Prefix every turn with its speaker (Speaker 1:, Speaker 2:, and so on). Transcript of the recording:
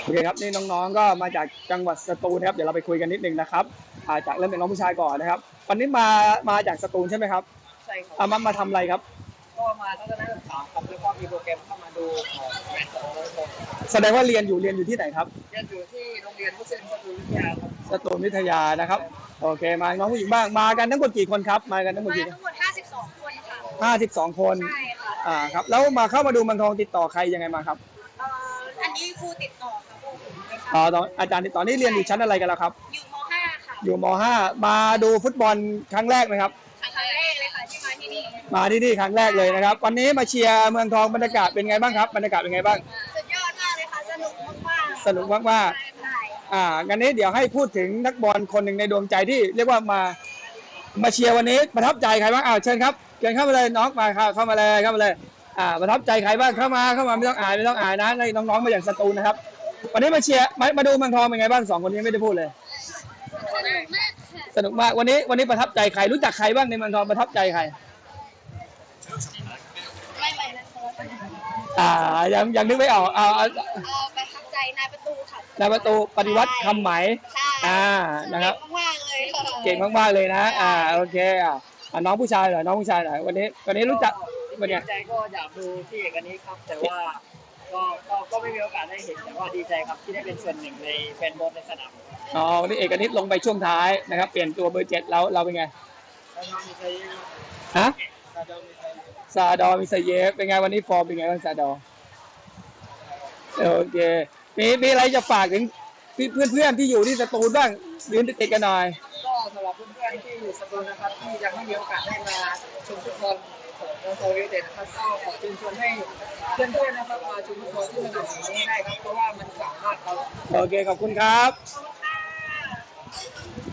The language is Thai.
Speaker 1: โอเคครับนี่น้องๆก็มาจากจังหวัดสตูลนะครับเดี๋ยวเราไปคุยกันนิดนึงนะครับจากเริ่มเป็นน้องผู้ชายก่อนนะครับวันนี้มาจากสตูลใช่ไหมครับ
Speaker 2: ใช่ครับ
Speaker 1: มาทำอะไรครับ
Speaker 2: ก็มาทัศนศึกษาครับแล้วก็มีโปรแกรมเข้ามาดูแมตช์ของโค้ช
Speaker 1: แสดงว่าเรียนอยู่ที่ไหนครับ
Speaker 2: เรียนอยู่ที่โรงเรียนมุสลิมสตูลวิทยาครับ
Speaker 1: สตูลวิทยานะครับโอเคมาน้องผู้หญิงบ้างมากันทั้งหมดกี่คนครับมากันทั้งหมด
Speaker 3: มา
Speaker 1: กี่
Speaker 3: ทั้งหมด52คนค่ะ
Speaker 1: 52คน
Speaker 3: ใช่ค่ะ
Speaker 1: ครับแล้วมาเข้ามาดูเมืองทองติดต่อใครยังไงมาครับ
Speaker 3: อันนี้ครูติดต่อค่ะครูผมนะคะ
Speaker 1: ตอนอาจารย์ติดต่อนี่เรียนอยู่ชั้นอะไรกันแล้วครับ
Speaker 3: อยู่ม .5 ค่ะ
Speaker 1: อยู่ม .5 มาดูฟุตบอลครั้งแรกไหมครับ
Speaker 3: ครั้งแรกเลยค่ะที่มาที่นี่
Speaker 1: มาที่นี่ครั้งแรกเลยนะครับวันนี้มาเชียร์เมืองทองบรรยากาศเป็นไงบ้างครับบรรยากาศเป็นไงบ้าง
Speaker 3: สุดยอดมากเลยค่ะสนุกมากๆ
Speaker 1: สนุกมากๆงั้นนี้เดี๋ยวให้พูดถึงนักบอลคนหนึ่งในดวงใจที่เรียกว่ามาเชียร์วันนี้ประทับใจใครบ้างเชิญครับเชิญเข้ามาเลยน้องมาเข้ามาเลยประทับใจใครบ้างเข้ามาไม่ต้องอายนะในน้องๆมาอย่างสตูลนะครับวันนี้มาเชียร์มาดูเมืองทองเป็นไงบ้าง2คนนี้ไม่ได้พูดเลยสนุกมากวันนี้ประทับใจใครรู้จักใครบ้างในเมืองทองประทับใจใคร
Speaker 3: ไม่นะ
Speaker 1: ยังนึกไม่ออก
Speaker 3: ประทับใจนายประตูค่ะ
Speaker 1: นายประตูปฏิวัติคำไหมนะครับเก่งมากเลยนะโอเคน้องผู้ชายหน่อยวันนี้รู้จัก
Speaker 2: วันนี้ใจก็อยากดูที่เอกนี้ครับแต่ว่าก็ไม่มีโอกาสได้เห็นแต่ว่าดีใจครับที่ได้เป็นส่วนหนึ่งในแฟนบอลในสนาม
Speaker 1: วันนี้เอกนิตลงไปช่วงท้ายนะครับเปลี่ยนตัวเบอร์7แล้วเราเป็นไงฮะซาดอมิซาเยฟเป็นไงวันนี้ฟอร์มเป็นไงบ้างซาดอโอเคมีอะไรจะฝากถึงเพื่อนที่อยู่ที่สตูลบ้างยืนติดกันหน่อย
Speaker 2: ก็สำหรับเพื่อนๆที่อยู่สตูลนะครับที่ยังไม่มีโอกาสได้มาชมฟุตบอลของเมืองทองยูไนเต็ดนะครับก็ขอเชิญชวนให้เพื่อนๆนะครับมาชมฟุตบอลที่สนามนี้ได้ครับเพราะว่ามันสามารถครับ
Speaker 1: โอเคขอบคุณครับ
Speaker 3: ขอบคุณ